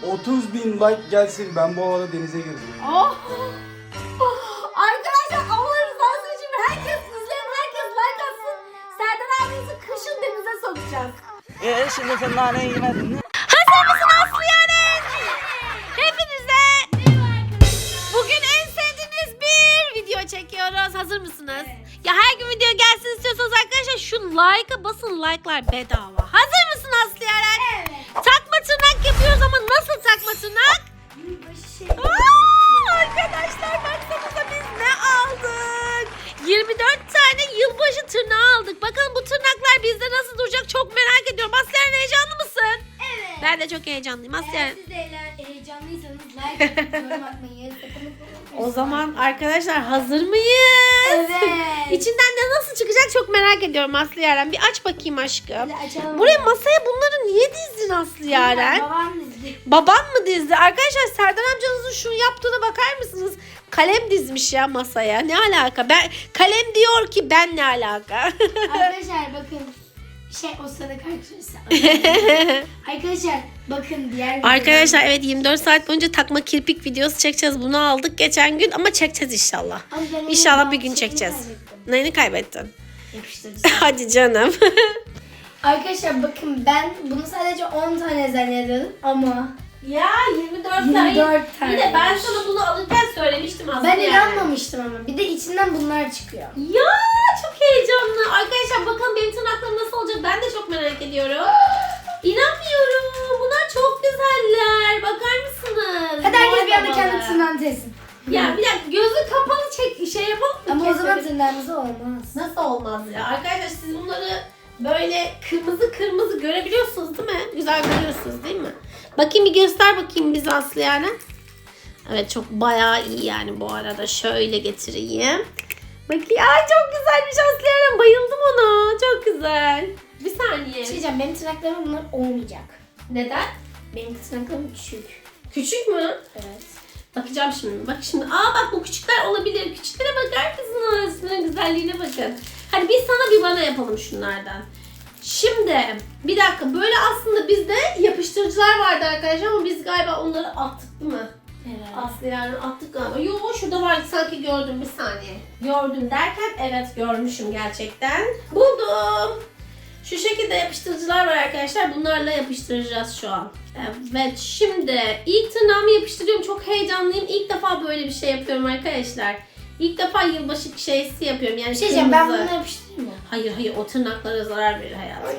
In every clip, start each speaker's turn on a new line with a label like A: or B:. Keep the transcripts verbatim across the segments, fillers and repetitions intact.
A: otuz bin like gelsin, ben bu havada denize gireceğim.
B: Oh. Arkadaşlar Allah rızası için herkes izleyin, herkes like atsın. Serdar abimizi kışın denize sokacağız.
C: Eee şimdi sen naneyi yemedin mi?
B: Hazır mısın Aslı Yaren? Hepinize bugün en sevdiğiniz bir video çekiyoruz. Hazır mısınız? Evet. Ya her gün video gelsin istiyorsanız arkadaşlar şu like'a basın, like'lar bedava. Hazır mısın Aslı Yaren? Evet. Takma tırnak yapıyoruz ama nasıl takma tırnak? Aa, arkadaşlar baksanıza biz ne aldık? yirmi dört tane yılbaşı tırnağı aldık. Bakalım bu tırnaklar bizde nasıl duracak çok merak ediyorum. Aslı Yaren heyecanlı mısın?
D: Evet.
B: Ben de çok heyecanlıyım. Aslı
D: Eğer
B: Yaren.
D: siz de eğer heyecanlıysanız like atıp yorum atmayı sakın.
B: O zaman arkadaşlar hazır mıyız?
D: Evet.
B: İçinden de nasıl çıkacak çok merak ediyorum Aslı Yaren. Bir aç bakayım aşkım.
D: Hadi açalım.
B: Buraya masaya bunları niye dizdin Aslı Yaren?
D: Babam dizdi.
B: Baban mı dizdi? Arkadaşlar Serdar amcanızın şunu yaptığına bakar mısınız? Kalem dizmiş ya masaya. Ne alaka? Ben kalem diyor ki ben ne alaka?
D: Arkadaşlar bakın. Şey o sırada karşılaşsa. Arkadaşlar bakın diğer
B: Arkadaşlar evet yirmi dört saat boyunca takma kirpik videosu çekeceğiz. Bunu aldık geçen gün ama çekeceğiz inşallah.
D: Ama ben onun
B: İnşallah bir
D: bazı
B: gün
D: şeyini
B: çekeceğiz.
D: kaybettim.
B: Neyini kaybettin?
D: Yapıştırıcı.
B: Hadi canım.
D: Arkadaşlar bakın ben bunu sadece on tane zannediyordum ama
B: Ya yirmi dört
D: yirmi dört tane.
B: Bir de ben sana bunu alırken söylemiştim aslında.
D: ben
B: yani.
D: inanmamıştım ama. Bir de içinden bunlar çıkıyor.
B: Ya çok heyecanlı. Arkadaşlar bakalım benim tırnaklarım nasıl olacak ben de çok merak ediyorum. İnanmıyorum. Bunlar çok güzeller. Bakar mısınız?
D: Hadi herkes
B: Mor
D: bir anda
B: babalı.
D: kendi tırnağını testin.
B: Ya bir dakika gözü kapalı çek şey yapalım mı?
D: Ama o zaman
B: Keselim.
D: tırnağımız olmaz.
B: Nasıl olmaz ya? Arkadaşlar siz bunları böyle kırmızı kırmızı görebiliyorsunuz değil mi? Güzel görüyorsunuz değil mi? Bakayım bir göster bakayım bize Aslı yani. Evet çok bayağı iyi yani bu arada. Şöyle getireyim. Bakayım. Ay çok güzelmiş Aslı yani. Bayıldım ona. Çok güzel. Bir saniye.
D: Bir şey diyeceğim, benim tırnaklarım bunlar olmayacak.
B: Neden?
D: Benim tırnaklarım küçük.
B: Küçük mü?
D: Evet.
B: Bakacağım şimdi. Bak şimdi. Aa bak bu küçükler olabilir. Küçüklere bakar mısınız? Şunun güzelliğine bakın. Hadi biz sana bir bana yapalım şunlardan. Şimdi bir dakika böyle aslında bizde yapıştırıcılar vardı arkadaşlar ama biz galiba onları attık değil mi?
D: Evet.
B: Aslı yani attık galiba. Yo şurada vardı sanki gördüm bir saniye. Gördüm derken evet görmüşüm gerçekten. Buldum. Şu şekilde yapıştırıcılar var arkadaşlar. Bunlarla yapıştıracağız şu an. Evet şimdi ilk tırnağımı yapıştırıyorum. Çok heyecanlıyım. İlk defa böyle bir şey yapıyorum arkadaşlar. İlk defa yılbaşı şeysi yapıyorum. Yani
D: Bir şey diyeceğim, ben
B: kırmızı.
D: bunları yapıştırayım mı?
B: Hayır hayır o tırnaklara zarar verir hayatım.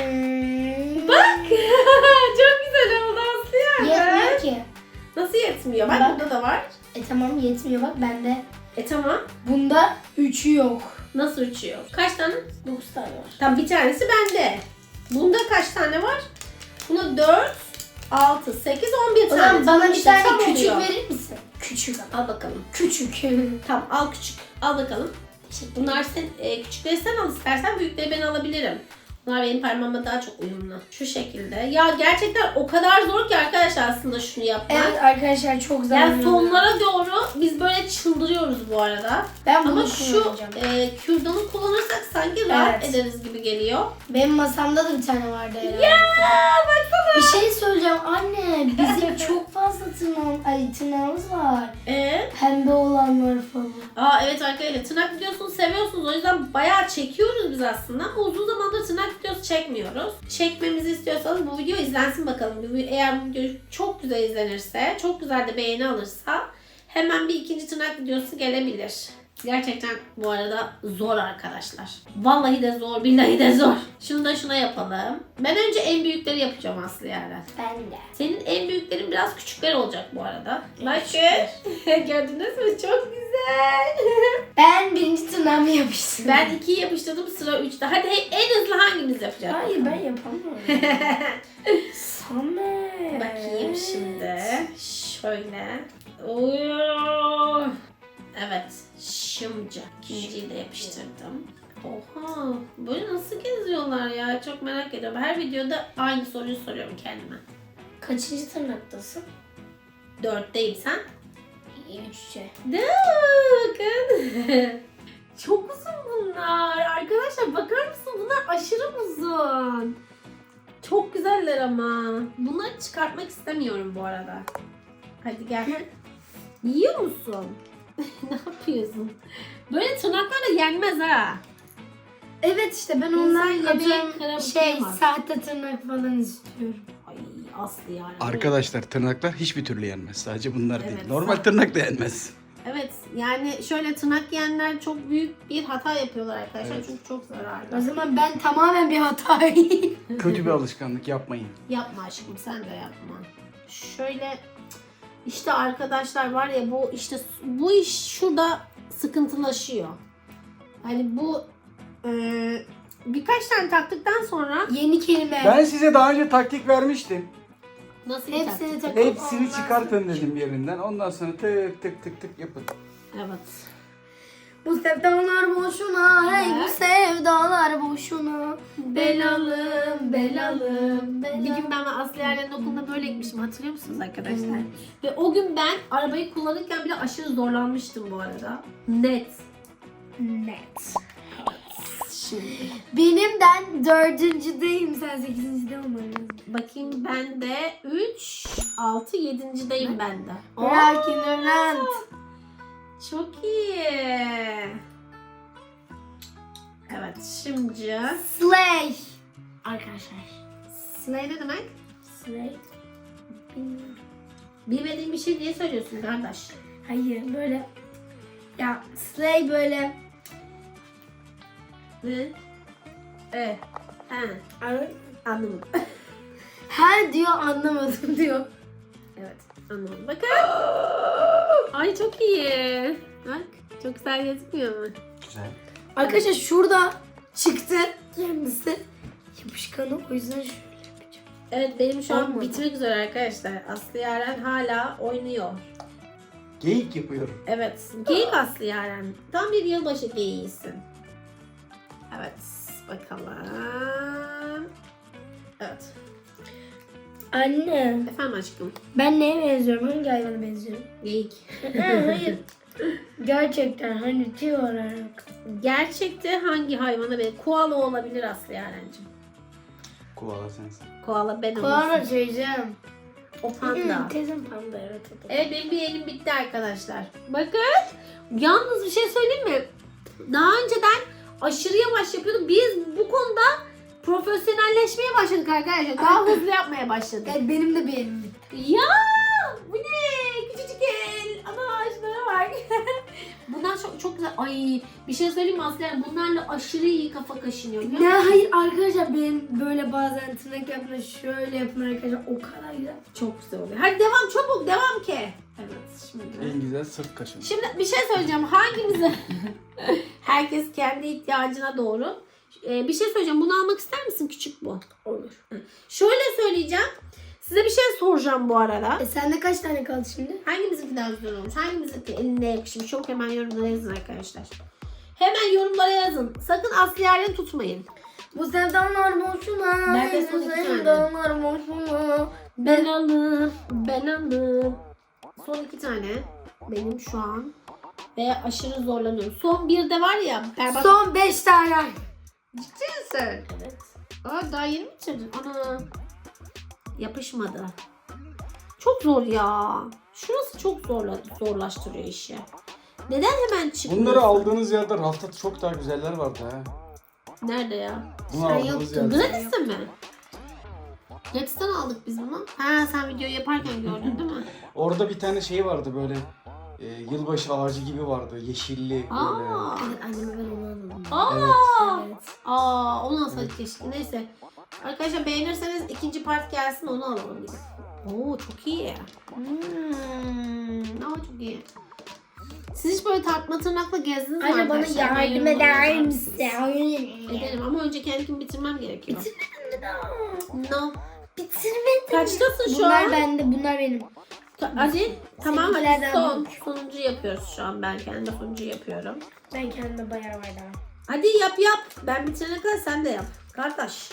D: Hmm.
B: Bak çok güzel oldu Aslı yani.
D: Yetmiyor ki.
B: Nasıl yetmiyor? Bak,
D: Bak.
B: burada da var.
D: E tamam yetmiyor bak bende.
B: E tamam.
D: Bunda üçü yok.
B: Nasıl uçuyor? Kaç tane?
D: Dokuz tane var.
B: Tam bir tanesi bende. Bunda kaç tane var? Bunda dört, altı, sekiz, on bir
D: O
B: tane.
D: zaman bana bir
B: İşte tam
D: tane küçük
B: oluyor.
D: verir misin? Küçük ama.
B: Al bakalım.
D: Küçük.
B: Tamam al küçük. Al bakalım. Bunlar sen, e, küçükleri sen al istersen büyükleri ben alabilirim. Bunlar benim parmağıma daha çok uyumlu. Şu şekilde. Ya gerçekten o kadar zor ki arkadaşlar aslında şunu yapmak.
D: Evet arkadaşlar çok zor.
B: Yani sonlara doğru biz böyle çıldırıyoruz bu arada.
D: Ben bunu
B: Ama şu
D: kullanacağım.
B: e, kürdanı kullanırsak sanki rahat
D: Evet.
B: ederiz gibi geliyor.
D: Benim masamda da bir tane vardı herhalde.
B: Ya baksana.
D: Bir şey söyleyeceğim anne. Bizim çok fazla tırnağım, ay, tırnağımız var.
B: Ee?
D: Pembe olanlar falan.
B: Aa evet arkadaşlar tırnak videosunu seviyorsunuz. O yüzden bayağı çekiyoruz biz aslında. Ama uzun zamandır tırnak videosu çekmiyoruz. Çekmemizi istiyorsanız bu video izlensin bakalım. Eğer bu video çok güzel izlenirse, çok güzel de beğeni alırsa hemen bir ikinci tırnak videosu gelebilir. Gerçekten bu arada zor arkadaşlar. Vallahi de zor, billahi de zor. Şunu da şuna yapalım. Ben önce en büyükleri yapacağım Aslı yani.
D: Ben de.
B: Senin en büyüklerin biraz küçükler olacak bu arada. Bakın. Gördünüz mü? Çok güzel.
D: Ben birinci tırnağımı yapıştırdım.
B: Ben ikiyi yapıştırdım sıra üçte. Hadi en hızlı hangimiz yapacak?
D: Hayır ben yapamam. Samet.
B: Bakayım şimdi. Şöyle. Oo. Evet. Şimdi ikinciyi de yapıştırdım. Oha. Böyle nasıl geziyorlar ya? Çok merak ediyorum. Her videoda aynı soruyu soruyorum kendime.
D: Kaçıncı tırnaktasın?
B: Dörtteyim sen?
D: Üçte.
B: Ne? Bakın. Çok uzun bunlar. Arkadaşlar bakar mısın? Bunlar aşırı uzun. Çok güzeller ama. Bunları çıkartmak istemiyorum bu arada. Hadi gel. Yiyor musun? Ne yapıyorsun? Böyle tırnaklarla yenmez ha.
D: Evet işte ben
B: İnsan
D: ondan
B: yemeği
D: atıyorum
B: kırabilir
D: şey
B: mi?
D: sahte tırnak falan istiyorum.
B: Ay Aslı yani.
A: Arkadaşlar tırnaklar hiçbir türlü yenmez. Sadece bunlar
B: Evet,
A: değil. Normal
B: sağ-
A: tırnak da yenmez.
B: Evet yani şöyle tırnak yiyenler çok büyük bir hata yapıyorlar arkadaşlar.
A: Evet.
B: Çünkü çok
D: O
B: zararlı.
D: zaman ben tamamen bir hatayım.
A: Kötü bir alışkanlık yapmayın.
B: Yapma aşkım sen de yapma. Şöyle işte arkadaşlar var ya bu işte bu iş şurada sıkıntılaşıyor. Hani bu e, birkaç tane taktıktan sonra
D: Yeni kelime.
A: Ben size daha önce taktik vermiştim.
B: nasıl bir
D: Hepsini
B: taktik?
D: takıp
A: Hepsini
D: ondan
A: çıkartın dedim yerinden. Ondan sonra tık tık tık tık yapın.
B: Evet.
D: Bu sevdalar boşuna, hey bu
B: Evet.
D: sevdalar boşuna.
B: Belalım,
D: belalım,
B: Bir gün ben Aslı Yerler'in okulunda böyle gitmişim hatırlıyor musunuz arkadaşlar? Ve o gün ben arabayı kullanırken bile aşırı zorlanmıştım bu arada. Net.
D: Net.
B: Şimdi
D: Benim ben dördüncüdeyim, sen sekizincide olman lazım.
B: bakayım ben de üç, altı, yedincideyim ben de.
D: Merak ignorant.
B: Çok iyi. Evet şimdi
D: Slay. Arkadaşlar.
B: slay ne demek?
D: Slay. Bilmiyorum.
B: Bilmediğin bir şey diye söylüyorsun kardeş.
D: Hayır böyle. Ya slay böyle.
B: Ne? E. Ha.
D: Anladın?
B: Anlamadım.
D: Her diyor anlamadım diyor.
B: Evet anladım. Bakın. Ay çok iyi. Bak çok güzel gözükmüyor mu?
A: Güzel.
D: Arkadaşlar şurada çıktı kendisi. Yapışkanı o yüzden şöyle yapacağım.
B: Evet benim şu an
D: Olmadı.
B: bitmek üzere arkadaşlar. Aslı Yaren hala oynuyor.
A: Geyik yapıyorum.
B: Evet. Geyik Aslı Yaren. Tam bir yılbaşı geyiğisin. Evet. Bakalım. Evet.
D: Anne
B: Efendim aşkım.
D: ben neye benziyorum? Hangi hayvana benziyorum?
B: Geyik.
D: Hayır. Gerçekten hani tüy olarak.
B: Gerçekte hangi hayvana be? Koala olabilir Aslı Yaren'cim.
A: Koala sensin.
B: Koala ben
D: Kulağına
B: olursun.
D: söyleyeceğim.
B: O panda.
D: Teyzem panda evet. o da.
B: Evet benim bir elim bitti arkadaşlar. Bakın. Yalnız bir şey söyleyeyim mi? Daha önceden aşırı yavaş yapıyordum. Biz bu konuda profesyonelleşmeye başladık arkadaşlar. Daha hızlı yapmaya başladık.
D: Evet benim de bir elim bitti.
B: Ya bu ne? Küçücük el. Ana şunlara bak. Bunlar çok çok güzel. Ay bir şey söyleyeyim mi Aslı? Yani bunlarla aşırı iyi kafa kaşınıyor. biliyor
D: Ne
B: musun?
D: hayır arkadaşlar benim böyle bazen tırnak yapma şöyle yapın arkadaşlar o kadar güzel.
B: Çok güzel oluyor. Hadi devam çabuk devam ki. Evet şimdi.
A: En güzel sırt kaşın.
B: Şimdi bir şey söyleyeceğim. Hangimize? Herkes kendi ihtiyacına doğru. Ee, bir şey söyleyeceğim. Bunu almak ister misin? Küçük bu.
D: Olur.
B: Şöyle söyleyeceğim. Size bir şey soracağım bu arada.
D: E sende kaç tane kaldı şimdi?
B: Hangimizinki daha güzel olmuş? Hangimizinki eline yakışmış? Çok hemen yorumlara yazın arkadaşlar. Hemen yorumlara yazın. Sakın Aslı Yaren'i tutmayın.
D: Bu sevdalar boşuna.
B: Ben de son
D: bu
B: iki tane.
D: sevdalar boşuna.
B: Ben aldım. Ben aldım. Son iki tane. Benim şu an. Ve aşırı zorlanıyorum. Son bir de var ya. Berbat.
D: Son beş tane.
B: Ciddi misin? Evet. Aa, daha yeni mi bitirdin? Ana. Yapışmadı. Çok zor ya. Şurası çok zorla, zorlaştırıyor işi. Neden hemen çıkmıyor?
A: Bunları aldığınız yerde rafta çok daha güzeller vardı ha.
B: Nerede ya?
A: Bunu
D: Sen
A: aldığınız
D: yoktun.
A: yerde.
B: Gratis'te mi? Gratis'ten aldık biz bunu. Ha sen videoyu yaparken gördün değil mi?
A: Orada bir tane şey vardı böyle. E, yılbaşı ağacı gibi vardı. Yeşilli böyle.
B: Aa.
D: Evet anneme ben onu alalım.
B: Aa.
D: Evet.
B: Aa, onu alsaydık keşke. Neyse. Arkadaşlar beğenirseniz ikinci part gelsin onu alalım biz. Oo çok iyi. Hmm, ama çok iyi. Siz hiç böyle tartma tırnakla gezdiniz mi
D: Anne bana
B: arkadaşlar? Ben
D: yardım
B: yorumlara
D: eder
B: yazar
D: misin?
B: mısınız? Ederim ama önce kendimi bitirmem gerekiyor.
D: Bitirmedim daha.
B: No.
D: Bitirmedim.
B: Kaçtasın şu
D: Bunlar
B: an?
D: bende, bunlar benim.
B: Hadi. Tamam hadi
D: Seninkilerden
B: son.
D: büyük.
B: Sonuncu yapıyoruz şu an. Ben kendi sonuncu yapıyorum.
D: Ben kendime bayağı var daha.
B: Hadi yap yap. Ben bitirene kadar sen de yap. Kardeş.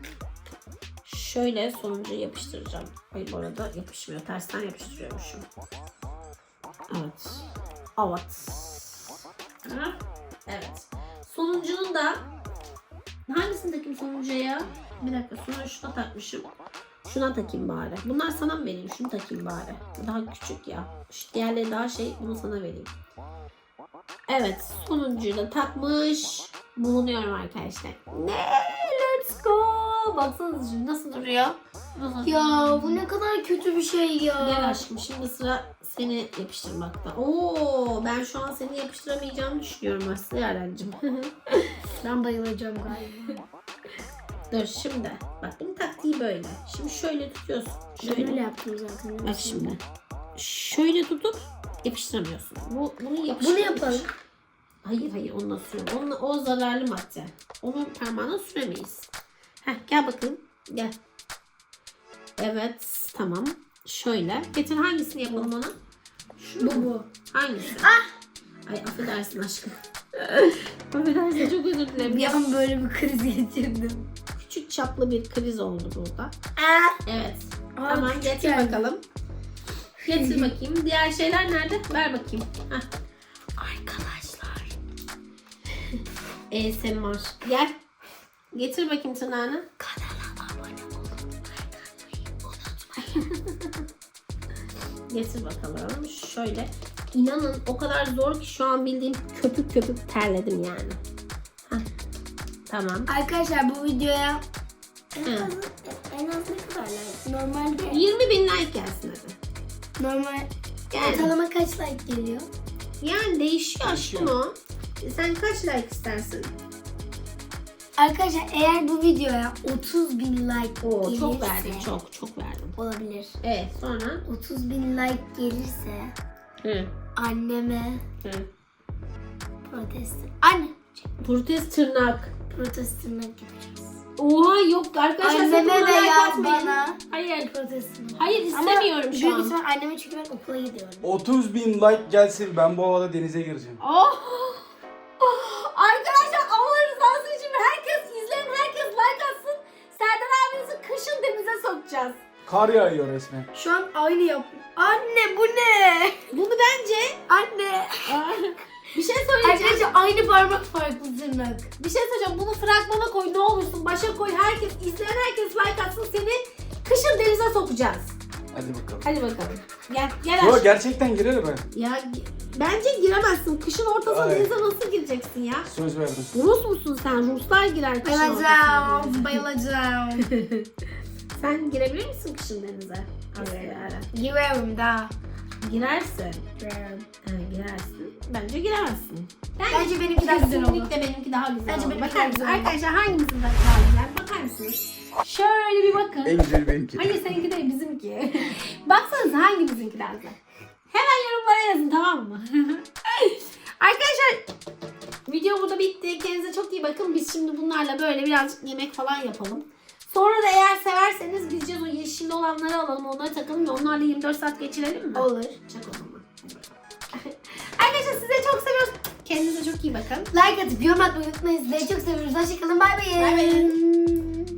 B: Şöyle sonuncuyu yapıştıracağım. Ay bu arada yapışmıyor. Tersten yapıştırıyormuşum. Evet. Evet. Ha? Evet. Sonuncunun da Hangisini takayım sonuncuya ya? Bir dakika sonra şuna takmışım. Şuna takayım bari. Bunlar sana mı vereyim? Şunu takayım bari. Bu daha küçük ya. Şu diğerleri daha şey. Bunu sana vereyim. Evet. Sonuncuyu da takmış bulunuyorum arkadaşlar. Ne? Let's go. Baksanıza şimdi nasıl duruyor? Nasıl?
D: Ya bu ne kadar kötü bir şey ya.
B: Gel aşkım şimdi sıra seni yapıştırmakta. Oo, ben şu an seni yapıştıramayacağımı düşünüyorum aslında Yaren'cim.
D: Ben bayılacağım galiba.
B: Dur şimdi. Bak bunun taktiği böyle. Şimdi şöyle tutuyorsun.
D: Ben
B: Şöyle.
D: öyle yaptım zaten.
B: Bak şimdi. Şöyle tutup yapıştıramıyorsun. Bu, bunu yapıştır.
D: Bunu yapalım.
B: Hayır hayır onunla sürüyorum. Onunla, o zararlı madde. Onu parmağına süremeyiz. Heh, gel bakalım. Gel. Evet tamam. Şöyle. Getir hangisini yapalım ona? Şu
D: Bu bu.
B: Hangisi? Ah! Ay affedersin aşkım. affedersin çok özür dilerim.
D: Bir an böyle bir kriz geçirdim.
B: Küçük çaplı bir kriz oldu burada.
D: Aa,
B: Evet.
D: Aa,
B: Tamam
D: küçük
B: getir
D: geldi.
B: bakalım. Getir bakayım. Diğer şeyler nerede? Ver bakayım. Heh.
D: arkadaşlar.
B: A S M R. Gel. Getir bakayım tırnağını.
D: Kanala abone olun.
B: Getir bakalım. Şöyle. İnanın o kadar zor ki şu an bildiğim köpük köpük terledim yani. Heh. Tamam.
D: Arkadaşlar bu videoya en
B: Hı.
D: az, en az ne kadar like? Normalde
B: yirmi bin like gelsin hadi.
D: normal
B: Yani,
D: ortalama kaç like geliyor?
B: yani değişiyor aşkım o. Sen kaç like istersin?
D: Arkadaşlar eğer bu videoya otuz bin like
B: Oo
D: gelirse
B: çok verdim. Çok çok verdim.
D: olabilir.
B: Evet sonra.
D: otuz bin like gelirse
B: Hı.
D: anneme
B: Hı.
D: protest. Anne
B: Protest tırnak.
D: protest tırnak yapacağız.
B: Oha yok arkadaşlar. sakın
D: Anneme de
B: bana like
D: yaz
B: atmayın.
D: bana.
B: Hayır.
D: Protest tırnak.
B: Hayır istemiyorum şu
D: büyük
B: an.
D: ihtimal anneme çünkü ben okula gidiyorum.
A: otuz bin like gelsin, ben bu havada denize gireceğim.
B: Oh. Oh. Arkadaşlar Allah rızası için herkes izleyin, herkes like atsın. Serdar abinizi kışın denize sokacağız.
A: Kar yağıyor resmen.
D: Şu an aynı yap. Anne bu ne?
B: Bunu bence
D: Anne.
B: bir şey söyleyeceğim.
D: Arkadaşlar aynı parmak farklı tırnak.
B: Bir şey söyleyeceğim. Bunu fragmana koy ne olursun. Başa koy. Herkes izleyen herkes like atsın. Seni kışın denize sokacağız.
A: Hadi bakalım.
B: Hadi bakalım. Gel gel
A: Yo,
B: aşkım.
A: gerçekten girerim ben.
B: Ya gi- bence giremezsin. Kışın ortasına
A: Ay.
B: denize nasıl gireceksin ya?
A: Söz verdim.
B: Rus musun sen? Ruslar girer kışın ortasına
D: Bayılacağım.
B: denize.
D: Bayılacağım.
B: Sen girebilir misin kışın denize?
D: Evet.
B: Aslında.
D: Girerim daha.
B: Girersin.
D: Girerim.
B: Ha, girersin. Bence giremezsin.
D: Bence benimki daha güzel olur.
B: Kesinlikle benimki daha güzel
D: Bence
B: olur.
D: benimki
B: Bakar
D: daha
B: mısın?
D: güzel olur.
B: Arkadaşlar hangimizin daha güzel? Bakar mısınız? Şöyle bir bakın.
A: En güzeli benimki.
B: Hayır seninki değil bizimki. Baksanıza hangimizinki daha güzel. Hemen yorumlara yazın tamam mı? Arkadaşlar video burada bitti. Kendinize çok iyi bakın. Biz şimdi bunlarla böyle birazcık yemek falan yapalım. Sonra da eğer severseniz gideceğiz o yeşilli olanları alalım. Onları takalım ve onlarla yirmi dört saat geçirelim mi?
D: Olur.
B: Çak o zaman. Hadi bakalım. Arkadaşlar size çok seviyoruz. Kendinize çok iyi bakın.
D: Like atıp yorum atmayı unutmayın. Sizleri çok seviyoruz. Hoşçakalın. Bay bay.
B: Bay bay.